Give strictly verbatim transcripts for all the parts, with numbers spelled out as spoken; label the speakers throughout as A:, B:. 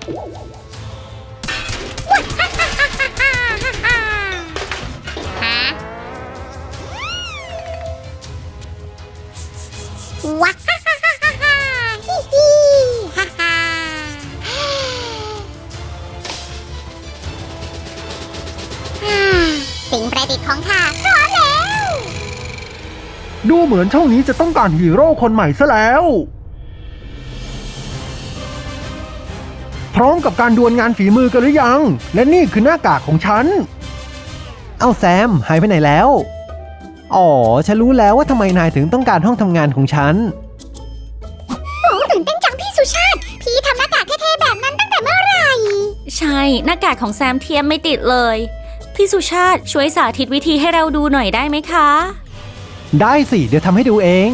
A: ว้าฮ่าฮ่าฮ่าฮ่าฮ่าฮิฮิฮ่าฮ่าสิ่งประดิษฐ์ของข้าพร้อมแล้ว
B: ดูเหมือนช่องนี้จะต้องการฮีโร่คนใหม่ซะแล้วพร้อมกับการดวลงานฝีมือกันหรือยังและนี่คือหน้ากากของฉันเอาแซมหายไปไหนแล้วอ๋อฉันรู้แล้วว่าทำไมนายถึงต้องการห้องทำงานของฉัน
A: โอ้ตื่นเต้นจังพี่สุชาติพี่ทำหน้ากากเท่ๆแบบนั้นตั้งแต่เมื่อไหร่
C: ใช่หน้ากากของแซมเทียมไม่ติดเลยพี่สุชาติช่วยสาธิตวิธีให้เราดูหน่อยได้ไหมคะ
B: ได้สิเดี๋ยวทำให้ดูเอง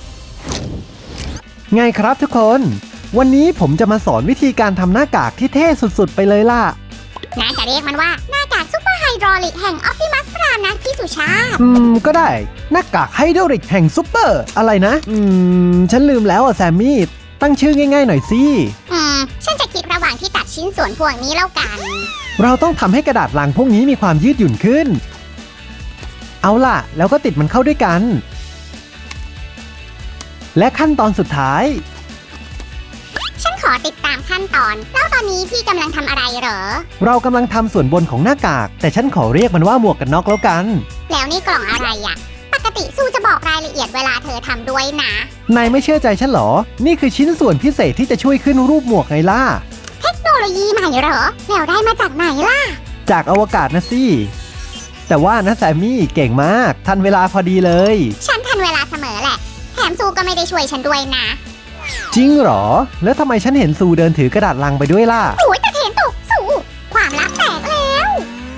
B: ไงครับทุกคนวันนี้ผมจะมาสอนวิธีการทำหน้ากากที่เท่สุดๆไปเลยล่ะ
A: น่าจะเรียกมันว่าหน้ากากซุปเปอร์ไฮดรอลิกแห่งออปติมัสพรามนะพี่สุชาติ
B: อืมก็ได้หน้ากากไฮดรอลิกแห่งซุปเปอร์อะไรนะอืมฉันลืมแล้วอ่ะแซมมี่ตั้งชื่อง่ายๆหน่อยสิ
A: อืมฉันจะคิดระหว่างที่ตัดชิ้นส่วนพวกนี้แล้วกัน
B: เราต้องทำให้กระดาษลังพวกนี้มีความยืดหยุ่นขึ้นเอาล่ะแล้วก็ติดมันเข้าด้วยกันและขั้นตอนสุดท้าย
A: ฉันขอติดตามขั้นตอนแล้วตอนนี้พี่กำลังทำอะไรเหรอ
B: เรากำลังทำส่วนบนของหน้ากากแต่ฉันขอเรียกมันว่าหมวกกันน็อกแล้วกัน
A: แล้วนี่กล่องอะไรอ่ะปกติสู้จะบอกรายละเอียดเวลาเธอทำด้วยนะ
B: นายไม่เชื่อใจฉันหรอนี่คือชิ้นส่วนพิเศษที่จะช่วยขึ้นรูปหมวกไงล่ะ
A: เทคโนโลยีใหม่เหรอแล้วได้มาจากไหนล่ะ
B: จากอวกาศนะสิแต่ว่านะแซมมี่เก่งมากทันเวลาพอดีเลย
A: ฉันทันเวลาเสมอแหละแถมซูก็ไม่ได้ช่วยฉันด้วยนะ
B: จริงเหรอแล้วทำไมฉันเห็นซูเดินถือกระดาษลังไปด้วยล่ะ
A: โอ้ยตะเถนตกซูความลับแตกแล้ว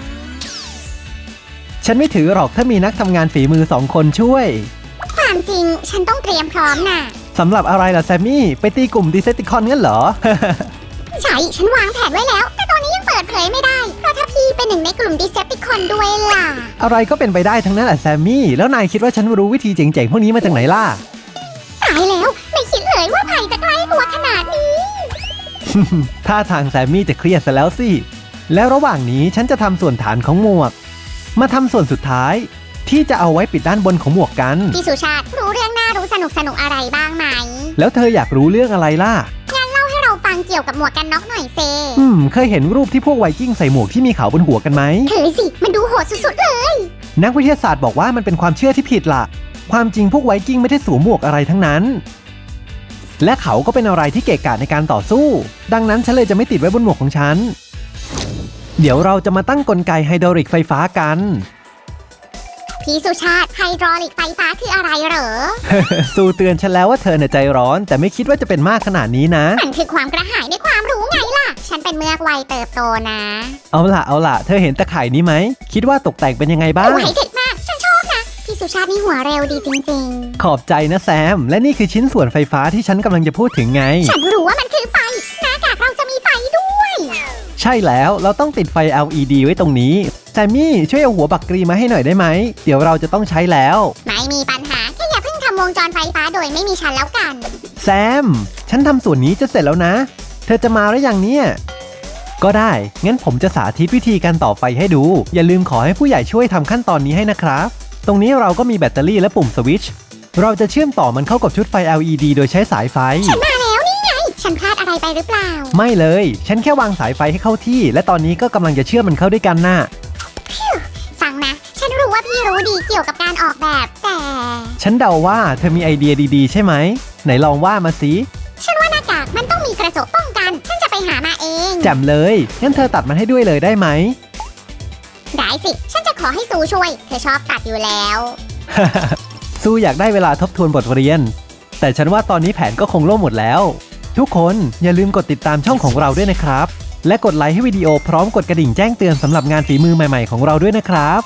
B: ฉันไม่ถือหรอกถ้ามีนักทำงานฝีมือสองคนช่วย
A: ความจริงฉันต้องเตรียมพร้อมน่ะ
B: สำหรับอะไรล่ะแซมมี่ไปตีกลุ่มดีเซปติคอนงั้นเหรอ
A: ใช่ฉันวางแผนไว้แล้วแต่ตอนนี้ยังเปิดเผยไม่ได้เพราะถ้าพี่เป็นหนึ่งในกลุ่มดีเซปติคอนด้วยล่ะ
B: อะไรก็เป็นไปได้ทั้งนั้นแหละแซมมี่แล้วนายคิดว่าฉันรู้วิธีเจ๋งๆพวกนี้มาจากไหนล่ะ
A: ตายแล้วไม่คิดเลยว่าภัยจะใกล้ตัวขนาดนี้
B: ท่าทางแซมมี่จะเครียดซะแล้วสิแล้วระหว่างนี้ฉันจะทำส่วนฐานของหมวกมาทำส่วนสุดท้ายที่จะเอาไว้ปิดด้านบนของหมวกกัน
A: พี่สุชาติรู้เรื่องน่ารู้สนุกสนุกอะไรบ้างไหม
B: แล้วเธออยากรู้เรื่องอะไรล่ะ
A: งั้นเล่าให้เราฟังเกี่ยวกับหมวกกันน็อกหน่อยเซ
B: อืมเคยเห็นรูปที่พวกไวกิ้งใส่หมวกที่มีเขาบนหัวกันไหม
A: เคยสิมันดูโหดสุดๆเลย
B: นักวิทยาศาสตร์บอกว่ามันเป็นความเชื่อที่ผิดล่ะความจริงพวกไวกิ้งไม่ได้สวมหมวกอะไรทั้งนั้นและเขาก็เป็นอะไรที่เกะกะในการต่อสู้ดังนั้นฉันเลยจะไม่ติดไว้บนหมวกของฉันเดี๋ยวเราจะมาตั้งกลไกไฮดรอลิกไฟฟ้ากัน
A: พี่สุชาติไฮดรอลิกไฟฟ้าคืออะไรเหรอ
B: ซูเตือนฉันแล้วว่าเธอเนี่ยใจร้อนแต่ไม่คิดว่าจะเป็นมากขนาดนี้นะ
A: มันคือความกระหายในความรู้ไงล่ะฉันเป็นเมือกวัยเติบโตนะ
B: เอาล่ะเอาล่ะเธอเห็นตะข่ายนี้ไหมคิดว่าตกแต่งเป็นยังไงบ้าง
A: โอ้ยเด็ดมากฉันชอบนะพี่สุชาตินี่หัวเร็วดีจริง
B: ๆขอบใจนะแซมและนี่คือชิ้นส่วนไฟฟ้าที่ฉันกำลังจะพูดถึงไง
A: ฉันรู้ว่ามันคือไฟหน้ากากเราจะมีไฟด้วย
B: ใช่แล้วเราต้องติดไฟ แอล อี ดี ไว้ตรงนี้แซมมี่ช่วยเอาหัวบักกรีมาให้หน่อยได้ไหมเดี๋ยวเราจะต้องใช้แล้ว
A: ไม่มีปัญหาแค่อย่าเพิ่งทำวงจรไฟฟ้าโดยไม่มีฉันแล้วกัน
B: แซมฉันทำส่วนนี้จะเสร็จแล้วนะเธอจะมาหรือยังเนี่ยก็ได้งั้นผมจะสาธิตวิธีการต่อไฟให้ดูอย่าลืมขอให้ผู้ใหญ่ช่วยทำขั้นตอนนี้ให้นะครับตรงนี้เราก็มีแบตเตอรี่และปุ่มสวิตช์เราจะเชื่อมต่อมันเข้ากับชุดไฟ แอล อี ดี โดยใช้สายไฟ
A: ฉันมาแล้วนี่ไงฉันพลาดอะไรไปหรือเปล่า
B: ไม่เลยฉันแค่วางสายไฟให้เข้าที่และตอนนี้ก็กำลังจะเชื่อมมันเข้าด้วยกันน่ะ
A: ฟังนะฉันรู้ว่าพี่รู้ดีเกี่ยวกับการออกแบบแต่
B: ฉันเดาว่าเธอมีไอเดียดีๆใช่ไหมไหนลองว่ามาสิ
A: ฉันว่าหน้ากากมันต้องมีกระจกป้องกันฉันจะไปหามาเอง
B: แจ่มเลยงั้นเธอตัดมันให้ด้วยเลยได้ไหม
A: ได้สิฉันจะขอให้ซูช่วยเธอชอบตัดอยู่แล้ว
B: ซูอยากได้เวลาทบทวนบทเรียนแต่ฉันว่าตอนนี้แผนก็คงล่มหมดแล้วทุกคนอย่าลืมกดติดตามช่องของเราด้วยนะครับและกดไลค์ให้วิดีโอพร้อมกดกระดิ่งแจ้งเตือนสำหรับงานฝีมือใหม่ๆของเราด้วยนะครับ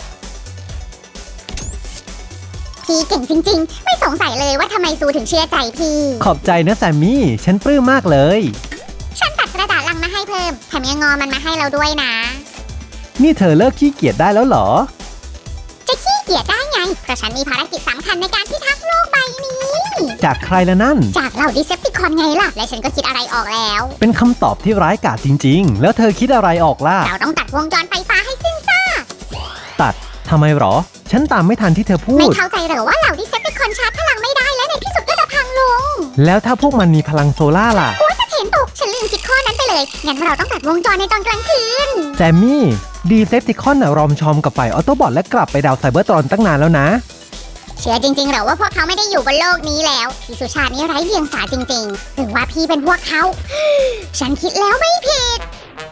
A: พี่เก่งจริงๆไม่สงสัยเลยว่าทำไมซูถึงเชื่อใจพี่
B: ขอบใจนะแซมมี่ฉันปลื้มมากเลย
A: ฉันตัดกระดาษลังมาให้เพิ่มแถมยังงอมันมาให้เราด้วยนะ
B: นี่เธอเลิกขี้เกียจได้แล้วเหรอ
A: จะขี้เกียจได้ไงเพราะฉันมีภารกิจสำคัญในการพิทักษ์โลกใบนี้
B: จากใครละนั่น
A: จากเหล่าดิเซปติคอนไงล่ะ และฉันก็คิดอะไรออกแล้ว
B: เป็นคำตอบที่ร้ายกาจจริงๆ แล้วเธอคิดอะไรออกล่ะ
A: เราต้องตัดวงจรไฟฟ้าให้สิ้นซาก
B: ตัดทำไมหรอ ฉันตามไม่ทันที่เธอพู
A: ไม่
B: ด
A: เข้าใจเหรอว่าเหล่าดิเซปติคอนชาร์จพลังไม่ได้และในที่สุดก็จะพังลง
B: แล้วถ้าพวกมันมีพลังโซล่าล่ะ
A: โอ้ยตะเถนตกฉันลืมคิดข้อนั้นไปเลย งั้นเราต้องตัดวงจรในตอนกลางคืน
B: แซมมี่ดีเซปติคอนน่ะรอมชอมกับฝ่ายออโตบอทและกลับไปดาวไซเบอร์ตรอนตั้งนานแล้วนะ
A: เชื่อจริงๆเหรอว่าพวกเขาไม่ได้อยู่บนโลกนี้แล้วพี่สุชาตินี่ไร้เดียงสาจริงๆ หรือว่าพี่เป็นพวกเขา ฉันคิดแล้วไม่ผิด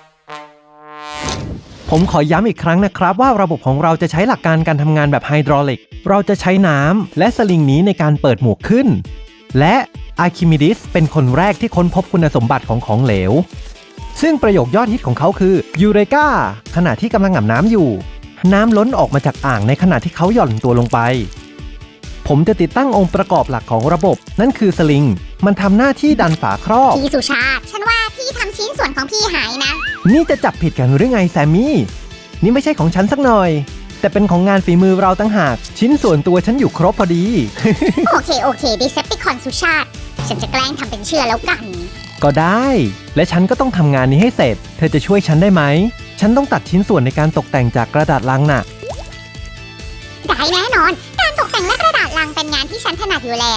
B: ผมขอย้ำอีกครั้งนะครับว่าระบบของเราจะใช้หลักการการทำงานแบบไฮดรอลิก เราจะใช้น้ำและสลิงนี้ในการเปิดหมวกขึ้น และอาร์คิมิดิสเป็นคนแรกที่ค้นพบคุณสมบัติของของเหลว ซึ่งประโยคยอดฮิตของเขาคือยูเรกาขณะที่กำลังอาบน้ำอยู่ น้ำล้นออกมาจากอ่างในขณะที่เขาหย่อนตัวลงไป ผมจะติดตั้งองค์ประกอบหลักของระบบ นั่นคือสลิง มันทำหน้าที่ดันฝาครอบ
A: พี่สุชาติ ฉันว่าพี่ทำชิ้นส่วนของพี่หายนะ
B: นี่จะจับผิดกันหรือไงแซมมี่ นี่ไม่ใช่ของฉันสักหน่อย แต่เป็นของงานฝีมือเราตั้งหาก ชิ้นส่วนตัวฉันอยู่ครบพอดี
A: โอเคโอเคดิเซปติคอนสุชาติ ฉันจะแกล้งทำเป็นเชื่อแล้วกัน
B: ก็ได้ และฉันก็ต้องทำงานนี้ให้เสร็จ เธอจะช่วยฉันได้ไหม ฉันต้องตัดชิ้นส่วนในการตกแต่งจากกระดาษลังน่ะ
A: ได้แน่นอน การตกแต่งและกระดาษลังเป็นงานที่ฉันถนัดอยู่แล้ว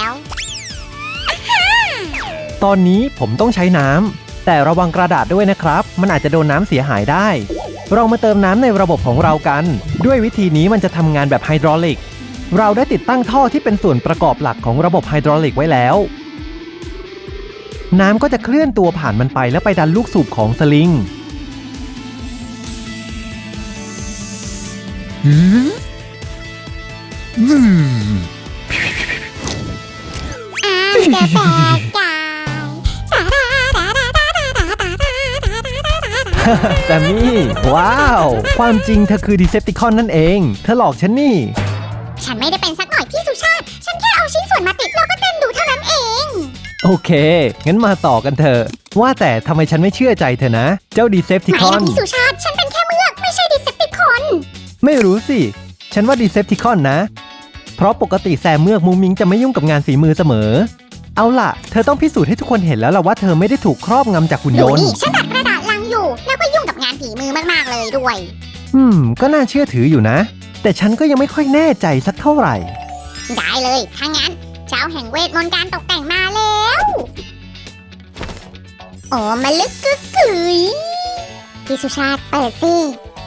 B: ตอนนี้ผมต้องใช้น้ำ แต่ระวังกระดาษด้วยนะครับ มันอาจจะโดนน้ำเสียหายได้ เรามาเติมน้ำในระบบของเรากัน ด้วยวิธีนี้มันจะทำงานแบบไฮดรอลิก เราได้ติดตั้งท่อที่เป็นส่วนประกอบหลักของระบบไฮดรอลิกไว้แล้ว น้ำก็จะเคลื่อนตัวผ่านมันไปแล้วไปดันลูกสูบของสลิง
A: อ้าวเดอะแบกกาย
B: แซมมี่ ว้าว ความจริงเธอคือดีเซปติคอนนั่นเอง เธอหลอกฉันนี่
A: ฉันไม่ได้เป็นสักหน่อยพี่สุชาติ ฉันแค่เอาชิ้นส่วนมาติดแล้วก็เต้นดูเท่านั้นเอง
B: โอเค งั้นมาต่อกันเถอะ ว่าแต่ทำไมฉันไม่เชื่อใจเธอนะ เจ้าดีเซปติ
A: ไม่
B: คอน
A: นะพี่สุชาติ ฉันเป็นแค่เมือกไม่ใช่ดิเซปติคอน
B: ไม่รู้สิ ฉันว่าดีเซปติคอนนะ เพราะปกติแซมเมือกมุงมิงจะไม่ยุ่งกับงานฝีมือเสมอ เอาล่ะ เธอต้องพิสูจน์ให้ทุกคนเห็นแล้วล่ะว่าเธอไม่ได้ถูกครอบงำจากหุ่นย
A: ดู
B: นต์
A: นี่ฉันตัดกระดาษลังอยู่ แล้วก็ยุ่งกับงานฝีมือมากๆเลยด้วย
B: อืม ก็น่าเชื่อถืออยู่นะ แต่ฉันก็ยังไม่ค่อยแน่ใจสักเท่าไหร่
A: ได้เลยถ้างั้น เจ้าแห่งเวทมนต์การตกแต่งมาแล้วโอ้มาลึกกึกกึ๋ยพี่สุชาติเปิดสิ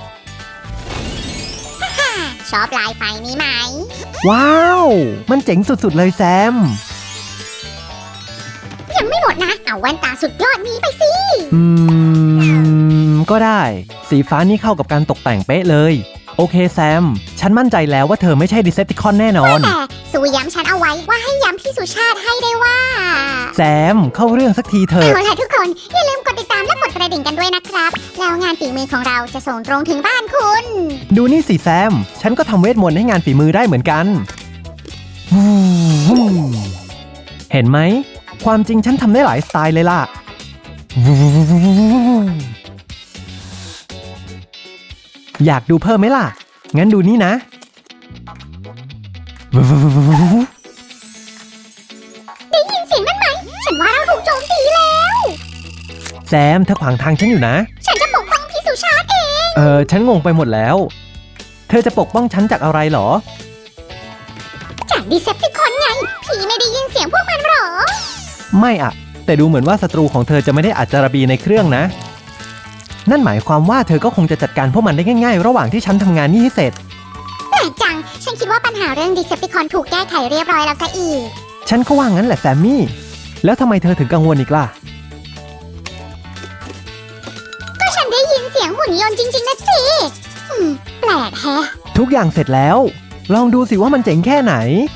A: ฮ่าฮ่าชอบลายไฟนี้ไหม
B: ว้าว มันเจ๋งสุดๆเลยแซม
A: ยังไม่หมดนะ เอาแว่นตาสุดยอดนี้ไปสิ
B: อืม ก็ได้ สีฟ้านี่เข้ากับการตกแต่งเป๊ะเลย โอเคแซม ฉันมั่นใจแล้วว่าเธอไม่ใช่ดีเซปติคอนแน่นอน
A: แต่สูย้ำฉันเอาไว้ว่าให้ย้ำพี่สุชาติให้ได้ว่า
B: แซม เข้าเรื่องสักทีเถอะ
A: เอาล่ะทุกคน อย่าลืมกดติดตามและกดกระดิ่งกันด้วยนะครับ แล้วงานฝีมือของเราจะส่งตรงถึงบ้านคุณ
B: ดูนี่สิแซม ฉันก็ทำเวทมนต์ให้งานฝีมือได้เหมือนกัน เห็นไหม ความจริงฉันทำได้หลายสไตล์เลยล่ะ อยากดูเพิ่มไหมล่ะ งั้นดูนี่นะ
A: ได้ยินเสียงนั้นไหม ฉันว่าเราถูกโจมตีแล้ว
B: แซมเธอขวางทางฉันอยู่นะ
A: ฉันจะปกป้องพี่สุชาติเอง
B: เออ ฉันงงไปหมดแล้ว เธอจะปกป้องฉันจากอะไรเหรอ
A: จากดิเซปติคอนไง พี่ไม่ได้ยินเสียงพวกมันหรอ
B: ไม่อะแต่ดูเหมือนว่าศัตรูของเธอจะไม่ได้อัจจารบีในเครื่องนะ นั่นหมายความว่าเธอก็คงจะจัดการพวกมันได้ง่ายๆ ระหว่างที่ฉันทำงานนี่ให้เสร็จ
A: แปลกจัง ฉันคิดว่าปัญหาเรื่องดิเซปติคอนถูกแก้ไขเรียบร้อยแล้วซะอีก
B: ฉันก็ว่างั้นแหละแซมมี่ แล้วทำไมเธอถึงกังวลอีกล่ะ
A: ก็ฉันได้ยินเสียงหุ่นยนต์จริงๆนะสิอืมแปลกแฮะ
B: ทุกอย่างเสร็จแล้ว ลองดูสิว่ามันเจ๋งแค่ไหน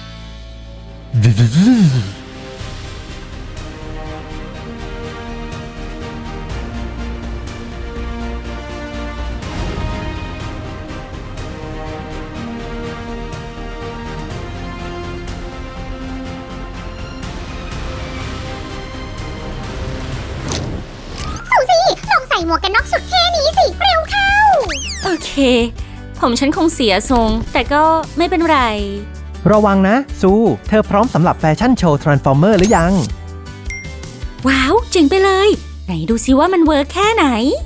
A: สูซี่ลองใส่หมวกกันน็อกสุดเท่นี้สิ เร็วเข้า
C: โอเค ผมฉันคงเสียทรง แต่ก็ไม่เป็นไร
B: ระวังนะซู เธอพร้อมสำหรับแฟชั่นโชว์ Transformer หรือยัง
C: ว้าวเจ๋งไปเลย ไหนดูซิว่ามันเวิร์กแค่ไหน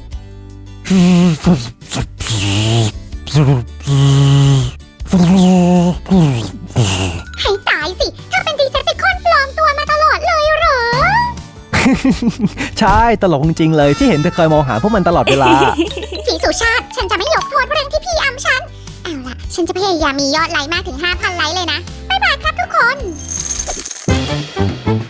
A: ให้ตายสิเธอเป็นดีเซปติคอนปลอมตัวมาตลอดเลยเหรอ
B: ใช่ตลกจริงๆเลยที่เห็นเธอคอยมองหาพวกมันตลอดเวลา
A: พี่สุชาติ ฉันจะไม่ยกโทษเรื่องที่พี่อำฉัน เอาล่ะ ฉันจะพยายามมียอดไลค์มากถึง ห้าพัน ไลค์เลยนะ บ๊ายบายครับทุกคน